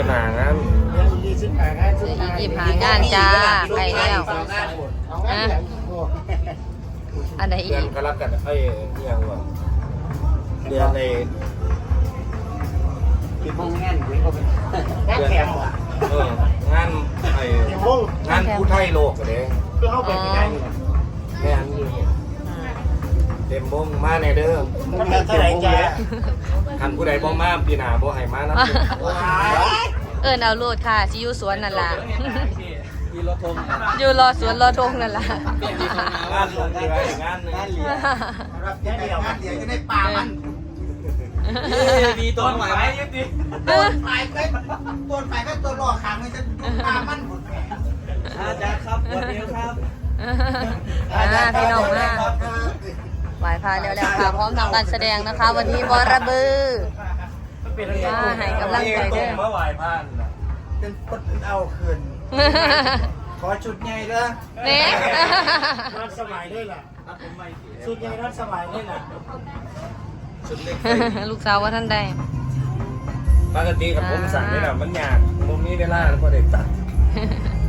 หนางานอีก25งานจ้าใกล้แล้วอันไหนอีเดือนกกรกฎาคมยังวะเดือนในกี่โมงงานคุยก็เป็นงานแขกว่ะงานงานผู้ไทยโลกเลยคือเข้าไปที่ไหนแม่นอยู่เต็มวงมาในเด้อมันเท่าไหร่จ้าคันผู้ใดบ่มาปีหน้าบ่ให้มานะเอาโลดค่ะสิอยู่สวนนั่นล่ะมีรถทงอยู่รอสวนรอทงนั่นล่ะงานลงเรืองานนึงรับเดียวจะได้ปลามันมีต้นไม้ยังดีต้นไม้ก็ตัวรอขางมันจะปลามันหมดอาจารย์ครับวันนี้ครับพี่น้องมาไหวพาแล้วค่ะพร้อมทำการแสดงนะคะ วันนี้บอระบือให้กำลังใจเด้อเมื่อวานผ่านเป็นปดเอาคืนขอชุดใหญ่เด้อเน่รัดสมัยด้วยล่ะชุดใหญ่รัดสมัยด้วยล่ะชุดเล็กลูกสาวว่าท่านใดปกติกับผมสั่งนี่แหละมันยากมุมนี้เวลาแล้วก็ได้ตัด